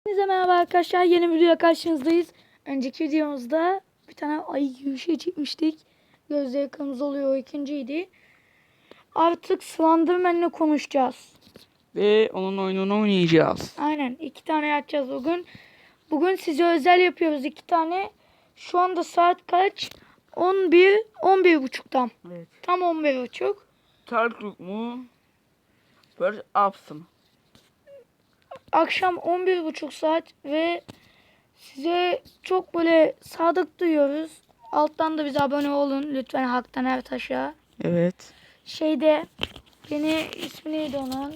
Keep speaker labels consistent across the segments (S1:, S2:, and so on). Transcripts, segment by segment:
S1: Hepinize merhaba arkadaşlar. Yeni bir videoya karşınızdayız. Önceki videomuzda bir tane ayı gibi bir şey çekmiştik. Gözleri kırmızı oluyor. O ikinciydi. Artık Slenderman'le konuşacağız.
S2: Ve onun oyununu oynayacağız.
S1: Aynen. 2 tane yapacağız bugün. Bugün size özel yapıyoruz 2 tane. Şu anda saat kaç? 11 tam.
S2: Evet.
S1: Tam 11.30.
S2: Tartuk mu? Bird Ups mı?
S1: Akşam 11.30 saat ve size çok böyle sadık duyuyoruz. Alttan da bize abone olun. Lütfen Haktan Ertaş'a.
S2: Evet.
S1: Şeyde ismi neydi onun?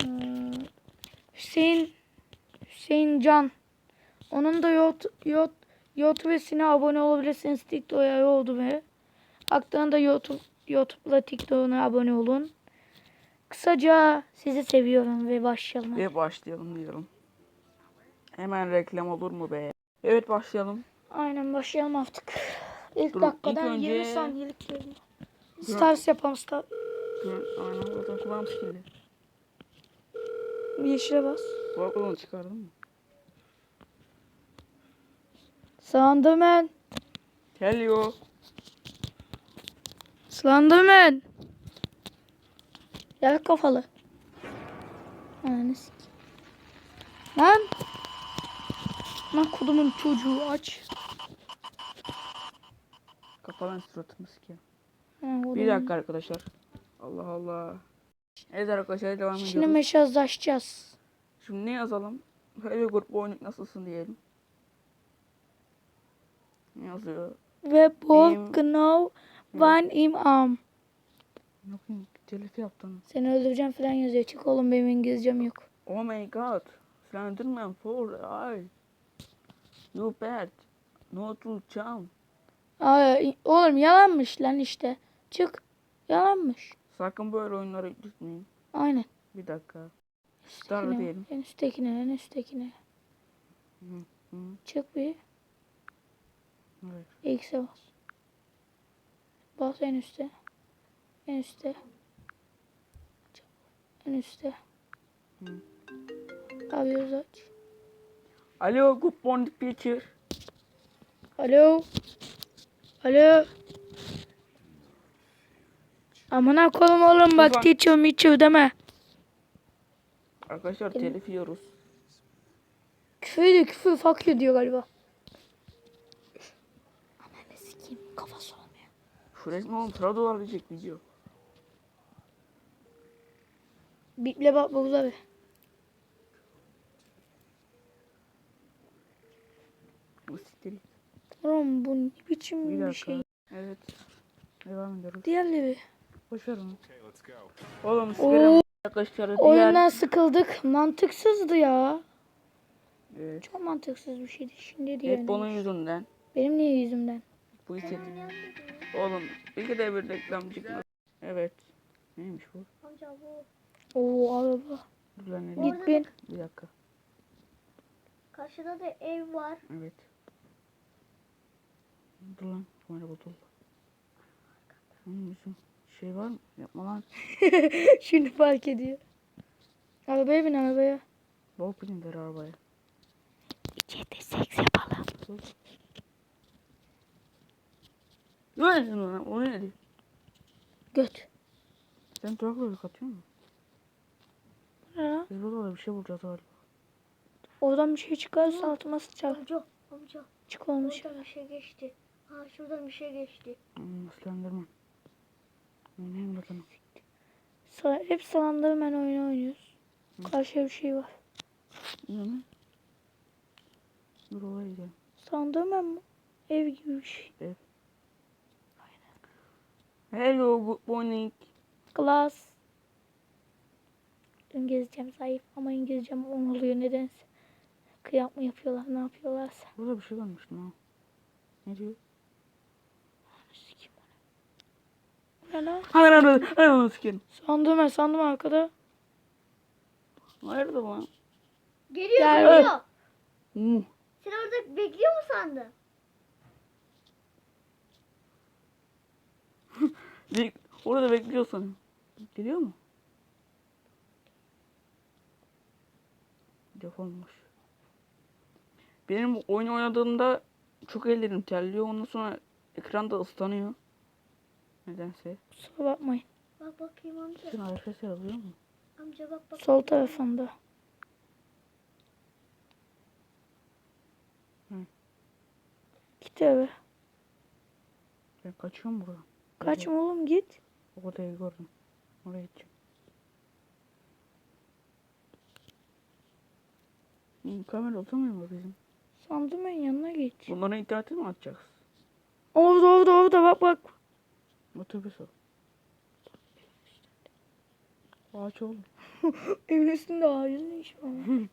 S1: Hüseyin Can. Onun da YouTube'sine abone olabilirsiniz. TikTok'a oldu be. Haktan'ın da YouTube'la TikTok'una abone olun. Kısaca sizi seviyorum ve başlayalım.
S2: Ve başlayalım diyorum. Hemen reklam olur mu be? Evet başlayalım.
S1: Aynen başlayalım artık. İlk
S2: Dur,
S1: dakikadan
S2: ilk önce-
S1: 20 saniyelik bölüm. Stars yapalım.
S2: Aynen zaten kulağım sikildi.
S1: Yeşile bas.
S2: Kulaklarını çıkardın mı?
S1: Slenderman.
S2: Hello.
S1: Slenderman. Yer kafalı. Ananı sikeyim. Lan. Lan kodumun çocuğu aç.
S2: Kafadan suratımı sikeyim.
S1: Ha,
S2: Bir dakika arkadaşlar. Allah Allah. Evet arkadaşlar devam
S1: Şimdi
S2: ediyoruz.
S1: mesajlaşacağız.
S2: Şimdi ne yazalım? Hello grup oyunluk nasılsın diyelim. Ne yazıyor?
S1: Ve bol
S2: Im-
S1: genau van im arm.
S2: Yok telif yaptım.
S1: Seni öldüreceğim falan yazıyor. Çık oğlum, benim İngilizcem yok.
S2: Oh my god. Slenderman for eye. You bad. No to jump.
S1: Ay, oğlum yalanmış lan işte. Çık. Yalanmış.
S2: Sakın böyle oyunlara gitmeyin.
S1: Aynen.
S2: Bir dakika. Star diyelim.
S1: En üsttekine.
S2: Hı.
S1: Çık bir.
S2: Evet.
S1: X'e bas. Bas en üstte. En üstte. En üstte.
S2: Hı.
S1: Arıyoruz aç.
S2: Alo, good morning teacher.
S1: Alo. Alo. Amına koyayım oğlum, bak
S2: Ulan.
S1: teacher deme.
S2: Arkadaşlar telif yiyoruz.
S1: Küfür fuck you diyor galiba. Ananı sikeyim, kafası olmuyor.
S2: Şu resmi oğlum sıra dolarlayacak video.
S1: Biple bak Buğuz abi.
S2: Bu siktir git.
S1: Oğlum bu ne biçim
S2: Bir
S1: bir
S2: dakika.
S1: şey.
S2: Evet. Devam ediyoruz.
S1: Diğerleri.
S2: Boşver onu. Oğlum
S1: Oo,
S2: sikerim. Arkadaşlar diğer.
S1: oyundan sıkıldık. Mantıksızdı ya.
S2: Evet.
S1: Çok mantıksız bir şeydi. Şimdi
S2: Hep
S1: diğerine.
S2: bunun yüzünden.
S1: Benim niye yüzümden?
S2: Bu iset. Oğlum bir de bir reklam çıkmaz. Evet. Neymiş bu?
S3: Amca bu.
S1: Oo araba.
S2: Dur lan ne?
S1: Git bin.
S2: Bir dakika.
S3: Karşıda da ev var.
S2: Evet. Dur lan. Kamera bozuldu. Bizim şey var mı? Yapma lan.
S1: Şimdi fark ediyor. Arabaya bin arabaya.
S2: Bol pilin ver arabaya.
S1: İçeride seks yapalım.
S2: Ne lan? O ne diyor?
S1: Göt.
S2: Sen traktörü katıyor musun?
S1: Ne lan?
S2: Biz burada bir şey bulacağız galiba.
S1: Oradan bir şey çıkarsa altıma sıçar.
S3: Amca.
S1: Çık olmuş.
S3: Oradan bir şey geçti. Ha şuradan bir şey geçti.
S2: Slenderman. Oynayayım bakalım.
S1: Hep Slenderman oyunu oynuyoruz. Karşıya bir şey var.
S2: Ne mi? Dur oraya gidelim.
S1: Slenderman mı? Ev gibi bir şey.
S2: Hello, good morning.
S1: Glass. İngilizcem zayıf ama İngilizcem 10 oluyor nedense. Kıyak mı yapıyorlar, ne yapıyorlarsa.
S2: Burada bir şey görmüştüm ha. Ne diyor?
S1: Sikim bana. Ne lan?
S2: Hayır onu sikerim.
S1: Sandım arkada.
S2: Nerede lan?
S3: Geliyor
S1: Gel.
S3: geliyor.
S2: Hmm.
S3: Sen orada bekliyor mu sandın?
S2: Orada bekliyorsan. Geliyor mu? Defolmuş. Benim oyun oynadığımda çok ellerim terliyor. Ondan sonra ekranda ıslanıyor. Nedense.
S1: Kusura bakmayın.
S3: Bak bakayım amca.
S2: Sen arkadaşlar alıyor mu?
S3: Amca bak bak.
S1: Sol tarafında.
S2: Hı.
S1: Git eve.
S2: Ben kaçıyorum buradan.
S1: Kaçma oğlum git.
S2: O odayı gördüm. Oraya gideceğim. Kamera oturmuyor mu bizim?
S1: Sandım ben yanına git.
S2: Bunları internete mi atacağız?
S1: Orada bak bak.
S2: Otobüs o. Ağaç oğlum.
S1: Evin üstünde ağacın ne işi var?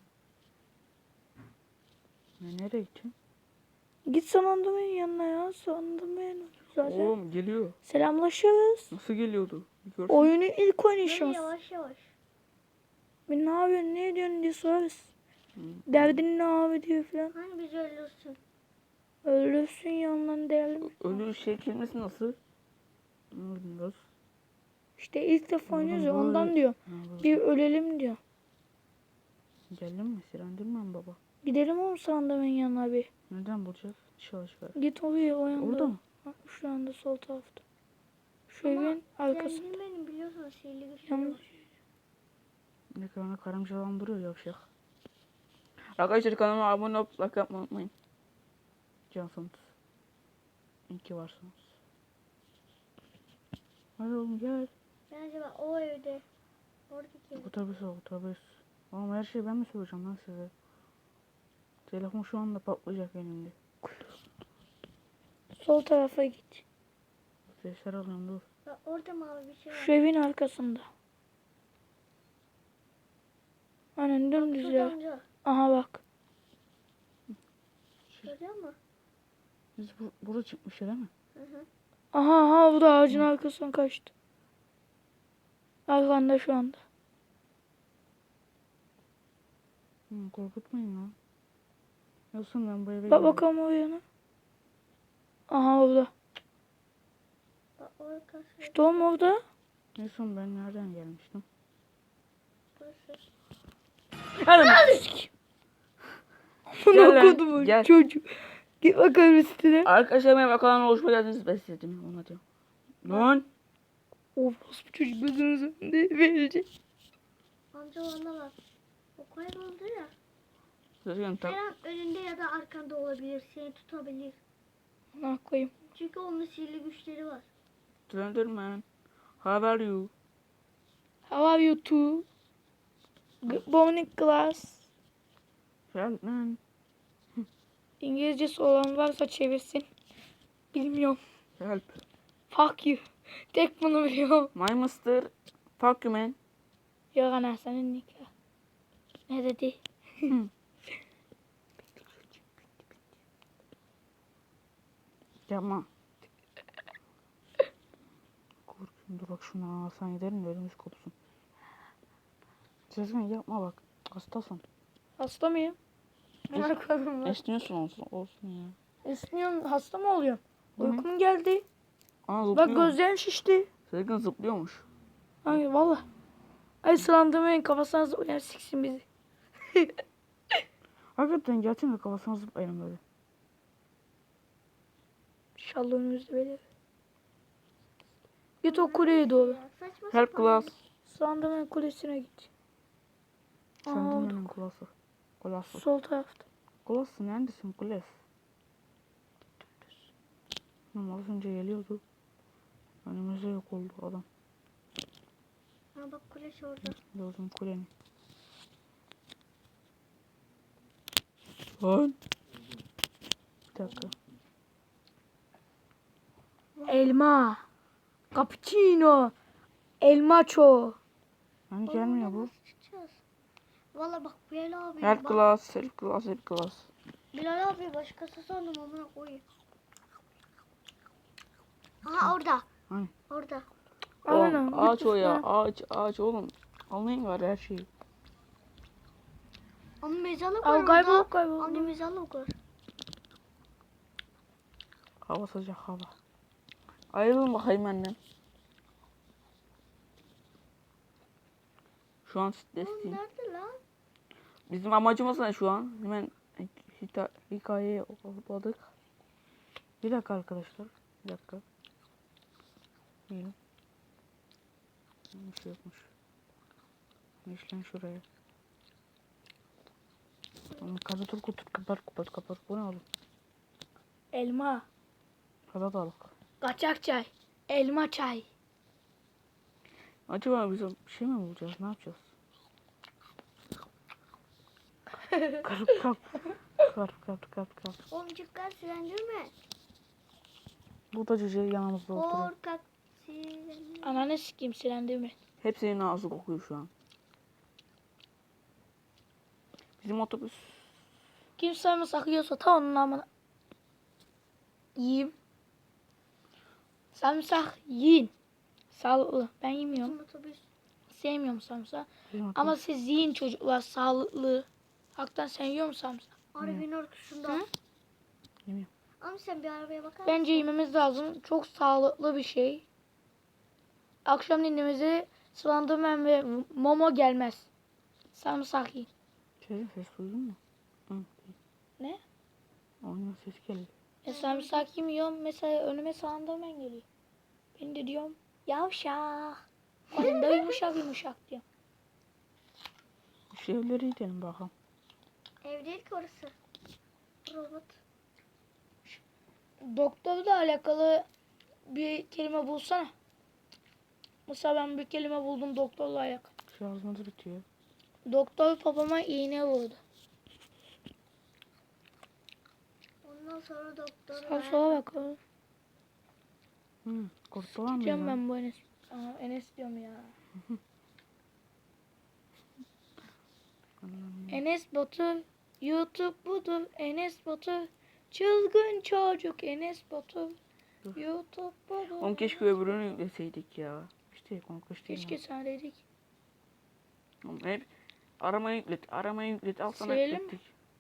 S2: Nereye gideceğim?
S1: Git sandım ben yanına ya. Sandım ben zaten.
S2: Oğlum geliyor.
S1: Selamlaşırız.
S2: Nasıl geliyordu? Bir görsen.
S1: Oyunu ilk
S3: Böyle
S1: oynayışımız.
S3: yavaş yavaş.
S1: Bir ne yapıyorsun ne ediyorsun diye sorarız.
S2: Hı.
S1: Derdin ne abi diyor falan.
S3: Hani biz ölürsün.
S1: Ölürsün yanından değerli mi?
S2: Ölü şey kelimesi nasıl? Bilmiyoruz.
S1: İşte ilk defa
S2: Oğlum
S1: oynuyoruz ya
S2: böyle-
S1: ondan diyor. Bir ölelim diyor.
S2: Geldin mi? Sirendirmem baba.
S1: Gidelim oğlum sandığımın yanına bir.
S2: Neden bulacağız? Çalışıyor.
S1: Git oluyor o yanda.
S2: Orada mı?
S1: Ha, şu anda sol tarafta. Şu
S3: Ama
S1: evin arkası.
S3: Zengin benim biliyorsun sihirli güçleri
S1: Yanlış.
S3: var.
S2: Ne kadar karıncalandırıyor yavşak. Arkadaşlar kanalıma abone olup like yapmayı unutmayın. Cansınız. İyi ki varsınız. Hadi oğlum gel.
S3: Bence bak o evde. Oradaki ev.
S2: Otobüs o otobüs. Oğlum her şeyi ben mi soracağım lan size? Telefon şu anda patlayacak elimde.
S1: Sol tarafa git.
S2: Sesler alıyorum dur.
S3: Bak orada mavi bir şey var.
S1: Şu evin arkasında. Aynen dümdüz
S3: Şurada
S1: ya.
S3: amca.
S1: Aha bak.
S3: Görüyor musun?
S2: Biz burada çıkmış değil mi?
S3: Hı hı.
S1: Aha bu da ağacın arkasından kaçtı. Arkanda şu anda.
S2: Korkutmayın lan. Yoksa ben bu eve
S1: Bak
S2: gidiyorum.
S1: bakalım o yana. Aha orada.
S3: Bak orası.
S1: İşte oğlum orada.
S2: En son ben nereden gelmiştim?
S3: Burası.
S1: Bunu
S2: Gel lan,
S1: okudum
S2: gel.
S1: çocuk. Git bakalım üstüne.
S2: Arkadaşlar benim kanalına hoş geldiniz. Ben size dedim ona diyorum. Lan.
S1: Of bu çocuk gözünüzü verecek.
S3: Amca ona bak. O kayboldu ya.
S2: Sözgün
S3: Her
S2: tak.
S3: an önünde ya da arkanda olabilir. Seni tutabilir.
S1: Ne koyayım?
S3: Çünkü onun sihirli güçleri var.
S2: Slenderman. How are you?
S1: How are you too? Good morning class.
S2: Help man.
S1: İngilizcesi olan varsa çevirsin. Bilmiyorum.
S2: Help.
S1: Fuck you. Tek bunu biliyorum.
S2: My mister. Fuck you man.
S1: Yok ana senin nikah. Ne dedi?
S2: Yapma. Korkuyorum dur bak şunu alsan giderim de ödümüz kopsun. Sözgün yapma bak. Hastasın.
S1: Hasta mıyım? Ne koyayım lan?
S2: Esniyorsun olsun ya.
S1: Esniyorum. Hasta mı oluyorum?
S2: Hı hı.
S1: Uykum geldi.
S2: Aa
S1: Bak
S2: zıplıyor.
S1: gözlerim şişti.
S2: Sözgün zıplıyormuş.
S1: Ay valla. Ay sılandırmayın kafasına zıplayan siksin bizi.
S2: Hakikaten gerçekten kafasına zıplayalım böyle.
S1: İnşallah önümüzde böyle. Git o kuleye doğru.
S3: Ya, saçma
S2: Help
S3: sapan.
S2: class.
S1: Sılandırmayın kulesine git.
S2: Sen
S1: Aa,
S2: de benim kulası. Kulası.
S1: sol tarafta.
S2: Kulası neredesin kules? Ama az önce geliyordu. Önümüzde yok oldu adam.
S3: Ha bak kuleş orada.
S2: Gördüm kuleni. Lan. Bir dakika.
S1: Elma. Cappuccino. Elmaço.
S2: Hani gelmiyor bu.
S3: Nasıl çıkacağız? Valla bak Bilal abi.
S2: Help
S3: bak,
S2: class, help class, help class.
S3: Bilal abi başkası sandım amına koyayım. Aha orada.
S2: Hani?
S3: Orada.
S1: Aynen,
S2: Oğlum, ağaç
S1: git
S2: o ya,
S1: üstüne.
S2: ağaç oğlum. Anlayın var her şeyi.
S3: Ama mezarlık
S1: Aa,
S3: var
S1: kaybol
S3: orada.
S1: kaybol.
S3: Anne mezarlık var.
S2: Hava sıcak hava. Ayrılın bakayım benden. Şu an
S3: Oğlum
S2: stresliyim.
S3: nerede lan?
S2: Bizim amacımız ne şu an? Hemen hikayeyi okumadık. Bir dakika arkadaşlar. Bir dakika. Yiyelim. Bir şey yokmuş. Geç lan şuraya. Kapat kutu kapat. Bu ne oğlum?
S1: Elma.
S2: Salatalık.
S1: Kaçak çay. Elma çay.
S2: Acaba biz bir şey mi bulacağız? Ne yapacağız? Kalk.
S3: Omcuklar silendirme.
S2: Bu da cüce yanımızda oturuyor.
S3: Korkak silendirme.
S1: Ananı sikeyim silendirme.
S2: Hepsinin ağzı kokuyor şu an. Bizim otobüs.
S1: Kim sarımsak yiyorsa ta onun amına. Yiyeyim. Sarımsak yiyin. Sağlıklı. Ben yemiyorum.
S3: Bizim otobüs.
S1: Sevmiyorum sarımsak.
S2: Bizim otobüs.
S1: Ama siz yiyin çocuklar. Sağlıklı. Haktan sen yiyor musun sarımsak?
S3: Arabanın ortasında.
S1: Hı?
S2: Yemiyorum.
S3: Ama sen bir arabaya bakar
S1: Bence yememiz lazım. Çok sağlıklı bir şey. Akşam dinimize sulandırmayan ve momo gelmez. Sarımsak yiyin.
S2: Ses duydun mu? Hı.
S1: Ne?
S2: Oyunun ses geliyor.
S1: Sarımsak yemiyorum. Mesela önüme sulandırmayan geliyor. Ben de diyorum yavşak. Kadın da yumuşak diyor.
S2: Şu evlere gidelim bakalım.
S3: Ev değil ki orası. Robot.
S1: Doktorla alakalı bir kelime bulsana. Mesela ben bir kelime buldum doktorla alakalı.
S2: Şarjımız bitiyor.
S1: Doktor babama iğne vurdu.
S3: Ondan sonra doktor.
S1: Sağa sola bakalım.
S2: Kurtulan mı
S1: Diyeceğim
S2: ya?
S1: ben bu Enes. Aa, Enes diyorum ya. Enes Batur. YouTube budur. Enes Batur. Çılgın çocuk Enes Batur.
S2: Dur.
S1: YouTube budur.
S2: Oğlum keşke öbürünü yükleseydik ya. İşte konkuş değil
S1: Keşke
S2: mi?
S1: sana dedik.
S2: Oğlum hep aramayı yüklet. Al sana
S1: Silelim mi?
S2: yüklettik.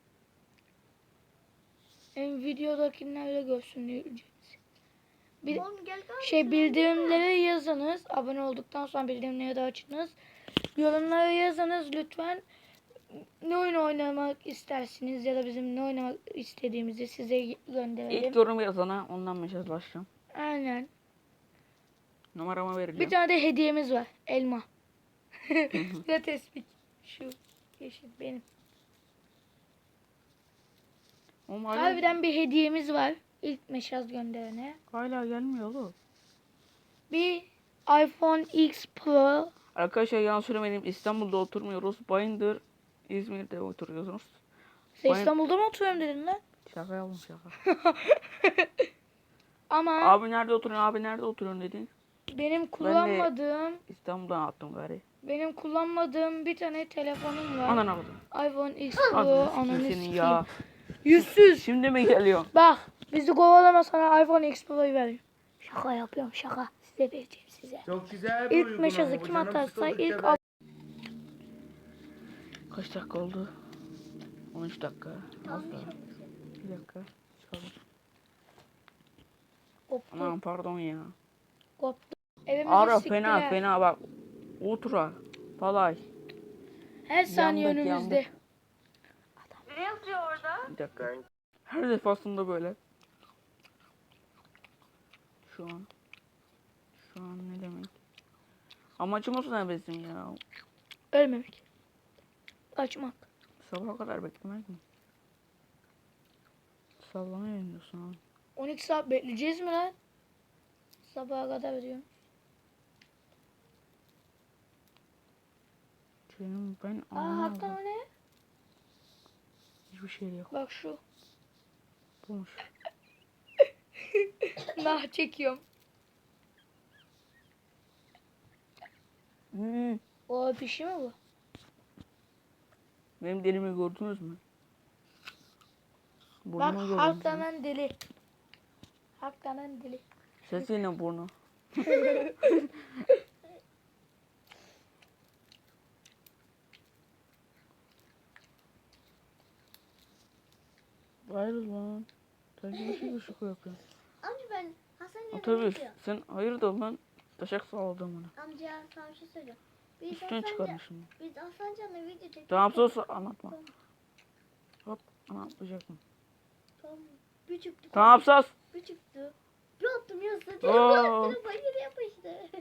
S1: En videodakilerle görsün diye ücretsiz. Bir
S3: Oğlum gel gel.
S1: şey bildirimleri yazınız. Abone olduktan sonra bildirimleri de açınız. Yorumlara yazınız lütfen. Ne oyun oynamak istersiniz ya da bizim ne oynamak istediğimizi size gönderelim.
S2: İlk yorum yazana ondan mesajlaşacağım.
S1: Aynen.
S2: Numaramı
S1: Bir
S2: vereceğim.
S1: tane de hediyemiz var. Elma. Ve tespih. Şu yeşil benim.
S2: Oğlum hala,
S1: Harbiden bir hediyemiz var. İlk mesaj gönderene.
S2: hala gelmiyor oğlum.
S1: Bir iPhone X Pro.
S2: Arkadaşlar yalan söylemedim. İstanbul'da oturmuyoruz. Bayındır, İzmir'de oturuyorsunuz.
S1: Sen
S2: Bayın-
S1: İstanbul'da mı oturuyorum dedin lan?
S2: Şaka yaptım şaka.
S1: Ama
S2: Abi nerede oturuyorsun dedin.
S1: benim kullanmadığım
S2: Benim
S1: kullanmadığım bir tane telefonum var.
S2: Anan aldım.
S1: iPhone X Pro.
S2: Ananı
S1: Ananı
S2: senin
S1: sikeyim.
S2: ya.
S1: Yüzsüz.
S2: Şimdi mi geliyor?
S1: Bak bizi kovalama sana iPhone X Pro'yu veriyorum. Şaka yapıyorum şaka. Size vereceğim size.
S4: Çok güzel bir
S1: İlk
S4: uygulama
S1: mesajı
S4: bu.
S1: kim
S4: Canım
S1: atarsa
S4: sıkıldıkça
S1: ilk
S4: ben-
S2: Kaç dakika oldu? 13 dakika. Az
S3: Tamam,
S2: daha.
S3: çok güzel.
S2: Bir dakika. Çıkalım.
S1: koptu.
S2: Aman pardon ya.
S1: Koptu. Evimizi
S2: Ara
S1: siktiler.
S2: fena bak. Ultra. Falay.
S1: Her saniye
S2: Yandık,
S1: önümüzde.
S3: Ne yazıyor orada?
S2: Bir dakika. Her defasında böyle. Şu an ne demek? Amacımız ne bizim ya?
S1: Ölmemek. Kaçmak.
S2: Sabaha kadar beklemek mi? Sallamaya iniyorsun abi.
S1: 12 saat bekleyeceğiz mi lan? Sabaha kadar diyorum.
S2: Canım ben
S1: Aa
S2: anlamadım.
S1: hatta o ne?
S2: Hiçbir şey yok.
S1: Bak şu.
S2: Bulmuş.
S1: Nah çekiyorum. O bir şey mi bu?
S2: Benim delimi gördünüz mü?
S1: Bak
S2: Burnumu gördünüz mü?
S1: halklanan deli. Halklanan deli.
S2: Sesi yine burnu. Hayır lan. Sen gibi şey ışık yapıyorsun.
S3: Amca ben Hasan
S2: Otobüs. Sen hayırdır lan? Taşak sağladın bana.
S3: Amca sana bir şey söyleyeceğim. Biz
S2: Üstüne
S3: Hasancan'la
S2: çıkarmışım.
S3: video çektik.
S2: Tamam sus anlatma. Hop. Ne yapacaktım?
S3: Tamam. Bir çıktı.
S2: Ne yapsaz?
S3: Bir çıktı. Bir attım ya
S2: Oo.
S3: telefon bayır yapıştı.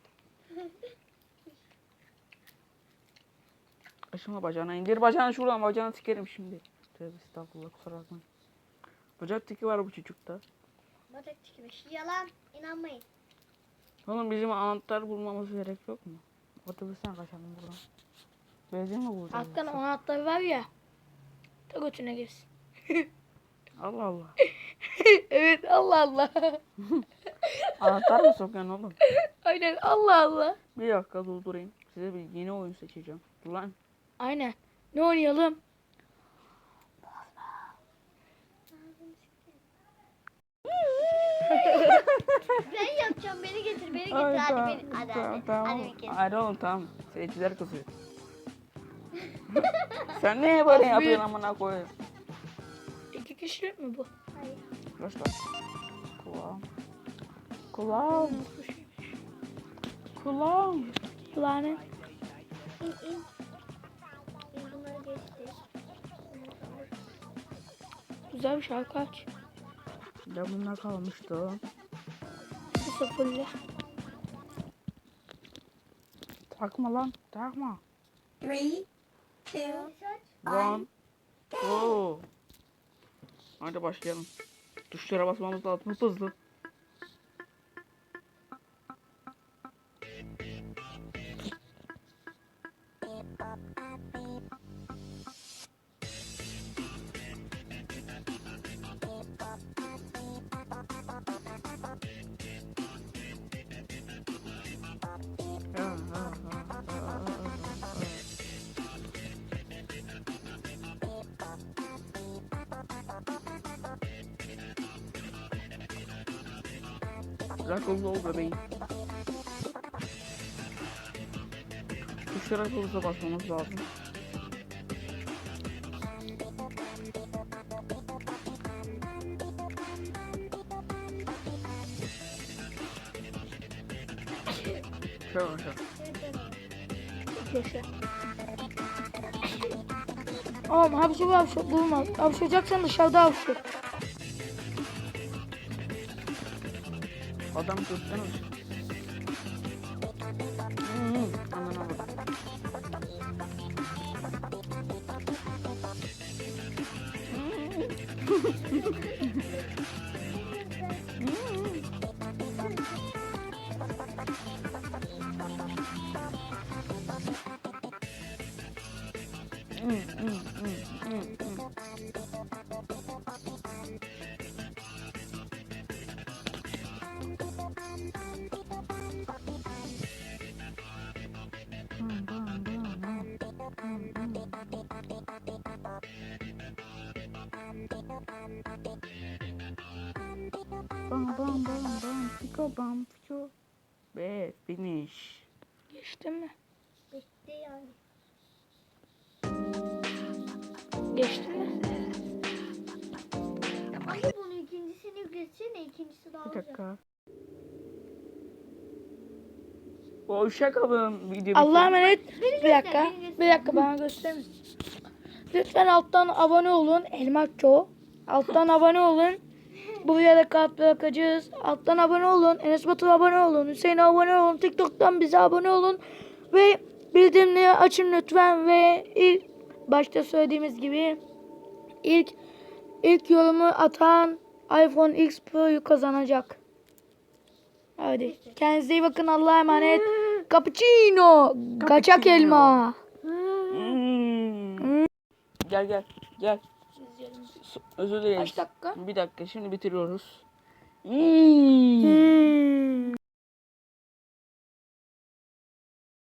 S2: Aşımla bacağına indir. Bacağını şuradan. Bacağını sikerim şimdi. Tövbe estağfurullah, kusura bakmayın. Bacak tiki var bu çocukta.
S3: Bacak çıkmış. Yalan. İnanmayın.
S2: Oğlum bizim anahtar bulmamız gerek yok mu? Otobüsten kaçalım buradan. Benzin mi bulacağız?
S1: Hakan o anahtarı var ya. Ta götüne girsin.
S2: Allah Allah.
S1: Evet Allah Allah.
S2: Anahtar mı sokuyorsun oğlum?
S1: Aynen Allah Allah.
S2: Bir dakika durdurayım. Size bir yeni oyun seçeceğim. Dur lan.
S1: Aynen. Ne oynayalım?
S3: Ben yapacağım. Beni getir. Beni getir. Hadi beni. Hadi hadi. Hadi bir kez.
S2: Hadi oğlum tamam. Seyirciler kızıyor. Sen niye böyle yapıyorsun amına koyayım?
S1: 2 kişilik mi bu?
S3: Hayır.
S2: Başla. Kulağım. Kulağım. Kulağım.
S1: Lanet.
S3: İn. Bunları geçti.
S1: Güzel bir şarkı aç.
S2: Ya bunlar kalmıştı.
S1: Sıfırlı.
S2: Takma lan. Takma.
S3: 3, 2,
S2: One. Go. Hadi başlayalım. Tuşlara basmamız lazım hızlı. Akıllı ol bebeğim. Tuşlara hızlı basmamız lazım. Şöyle şöyle.
S1: Yaşa. Oğlum hapşur bulmaz. Hapşuracaksan dışarıda hapşur.
S2: Adam tutsana. Anana bak. Bam piko. Ve finish.
S1: Geçtin mi?
S3: bitti yani.
S1: Geçtin mi?
S3: Ama bunu ikincisini geçsene. İkincisi daha
S2: Bir
S3: olacak.
S2: dakika. Hoşça kalın video.
S1: Allah'a emanet. Bir
S3: göster,
S1: dakika.
S3: beni göster.
S1: Bir dakika bana gösterin. Lütfen alttan abone olun. Elmakço. Alttan abone olun. Bu videoda kalp bırakacağız. Alttan abone olun. Enes Batur'a abone olun. Hüseyin'e abone olun. TikTok'tan bize abone olun. Ve bildirimleri açın lütfen. Ve ilk başta söylediğimiz gibi ilk yorumu atan iPhone X Pro'yu kazanacak. Hadi. Kendinize iyi bakın. Allah'a emanet. Cappuccino. Kaçak elma.
S2: Gel. Özür dileriz.
S1: Kaç dakika?
S2: Bir dakika şimdi bitiriyoruz.